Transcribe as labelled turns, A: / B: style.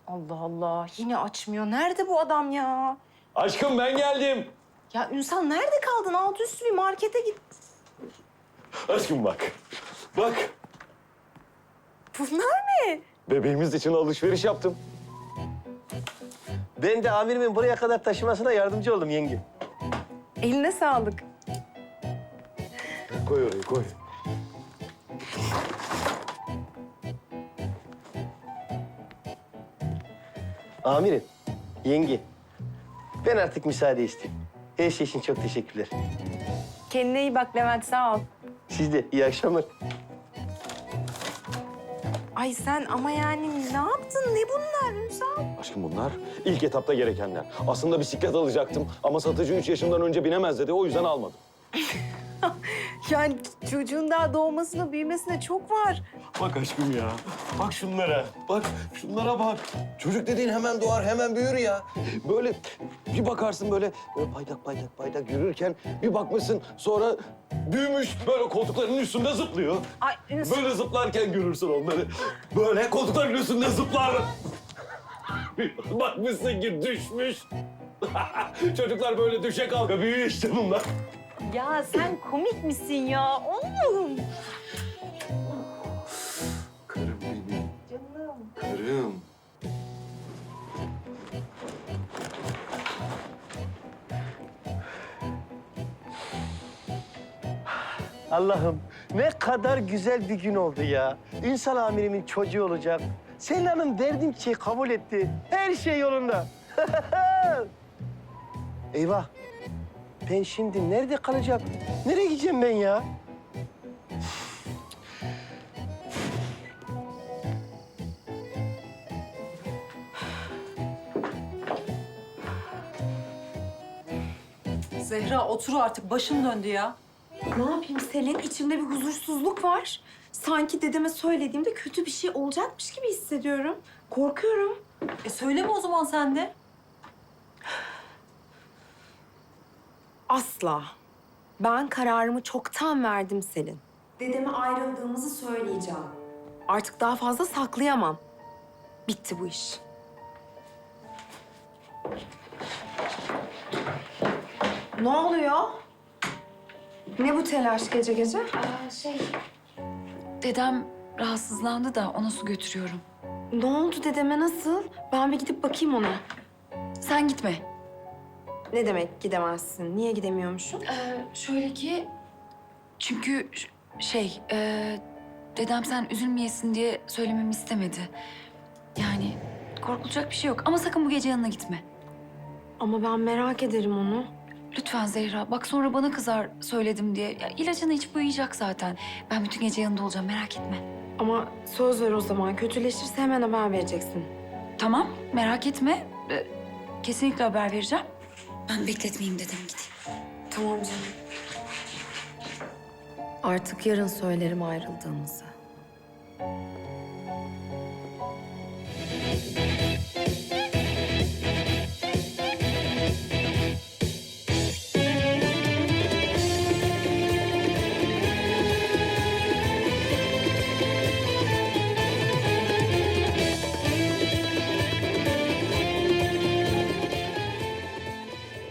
A: Allah Allah, yine açmıyor. Nerede bu adam ya?
B: Aşkım ben geldim.
A: Ya Ünsal nerede kaldın? Alt üstü bir markete git.
B: Aşkım bak. Bak.
A: Bunlar ne?
B: Bebeğimiz için alışveriş yaptım.
C: Ben de amirimin buraya kadar taşımasına yardımcı oldum yenge.
A: Eline sağlık.
B: Koy oraya koy.
C: Amirim, yenge. Ben artık müsaade isteyeyim. Her şey için çok teşekkürler.
A: Kendine iyi bak Levent, sağ ol.
C: Siz de iyi akşamlar.
A: Ay sen ama yani ne yaptın? Ne bunlar Ünsal?
B: Aşkım bunlar ilk etapta gerekenler. Aslında bisiklet alacaktım ama satıcı 3 yaşından önce binemez dedi. O yüzden almadım.
A: Yani çocuğun daha doğmasına, büyümesine çok var.
B: Bak aşkım ya. Bak şunlara. Bak şunlara bak. Çocuk dediğin hemen doğar, hemen büyür ya. Böyle bir bakarsın böyle paydak yürürken bir bakmışsın sonra büyümüş böyle koltukların üstünde zıplıyor.
A: Ay Ünsal.
B: Böyle zıplarken görürsün onları. Böyle koltukların üstünde zıplar. Bakmışsın ki düşmüş. Çocuklar böyle düşe kalka büyüyor işte bunlar.
A: Ya sen komik misin ya? Allah'ım.
B: Karım benim.
A: Canım.
B: Karım.
C: Allah'ım ne kadar güzel bir gün oldu ya. Ünsal amirimin çocuğu olacak. Selin Hanım verdiğim çiçeği kabul etti. Her şey yolunda. Eyvah. Ben şimdi nerede kalacağım? Nereye gideceğim ben ya?
D: Zehra otur artık. Başım döndü ya.
A: Ne yapayım Selin? İçimde bir huzursuzluk var. Sanki dedeme söylediğimde kötü bir şey olacakmış gibi hissediyorum. Korkuyorum.
D: Söyleme o zaman sen de.
A: Asla. Ben kararımı çoktan verdim Selin. Dedeme ayrıldığımızı söyleyeceğim. Artık daha fazla saklayamam. Bitti bu iş. Ne oluyor? Ne bu telaş gece gece?
E: Dedem rahatsızlandı da ona su götürüyorum.
A: Ne oldu dedeme, nasıl? Ben bir gidip bakayım ona.
E: Sen gitme.
A: Ne demek gidemezsin? Niye gidemiyormuşum?
E: Şöyle ki... Çünkü dedem sen üzülmeyesin diye söylememi istemedi. Yani korkulacak bir şey yok ama sakın bu gece yanına gitme.
A: Ama ben merak ederim onu.
E: Lütfen Zehra. Bak sonra bana kızar söyledim diye. Ya, ilacını içip uyuyacak zaten. Ben bütün gece yanında olacağım merak etme.
A: Ama söz ver o zaman. Kötüleşirse hemen haber vereceksin.
E: Tamam merak etme. Kesinlikle haber vereceğim. Ben bekletmeyeyim dedem gideyim.
A: Tamam canım. Artık yarın söylerim ayrıldığımızı.